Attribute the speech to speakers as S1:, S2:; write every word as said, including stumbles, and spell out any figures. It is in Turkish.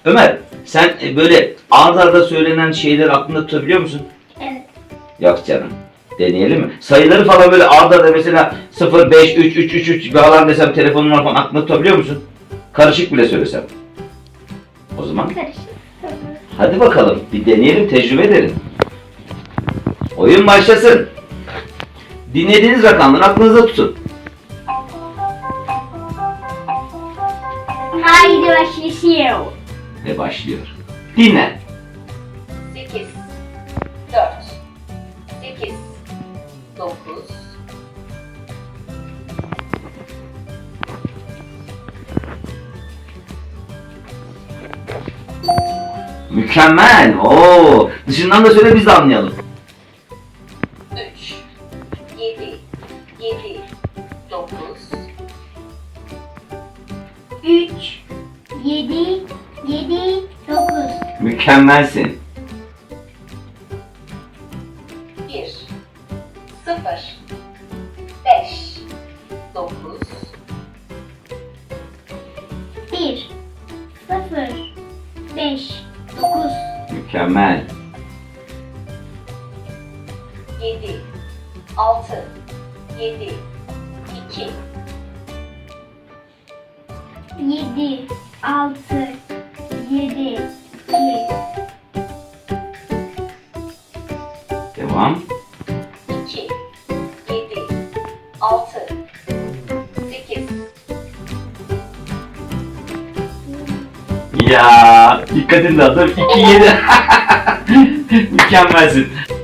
S1: Ömer, sen e, böyle art arda söylenen şeyleri aklında tutabiliyor musun?
S2: Evet.
S1: Yok canım. Deneyelim mi? Sayıları falan böyle art arda mesela sıfır, beş, üç, üç, üç, üç falan desem telefonun falan aklında tutabiliyor musun? Karışık bile söylesem. O zaman
S2: Karışık.
S1: hadi bakalım bir deneyelim, tecrübe edelim. Oyun başlasın. Dinlediğiniz rakamları aklınızda tutun.
S2: Haydi başlıyor.
S1: Ve başlıyor. Dinle.
S3: sekiz, dört, sekiz, dokuz,
S1: Mükemmel. Oo. Dışından da söyle biz de anlayalım.
S3: üç, yedi, yedi, dokuz,
S2: Üç, yedi, yedi, dokuz.
S1: Mükemmelsin.
S3: bir, sıfır, beş, dokuz,
S2: Bir, sıfır, beş, dokuz.
S1: Mükemmel.
S3: yedi, altı, yedi, iki,
S2: Yedi, altı, yedi, iki.
S1: Devam.
S3: iki, yedi, altı, sekiz,
S1: Ya dikkatin dağıtır. iki, yedi. Mükemmelsin.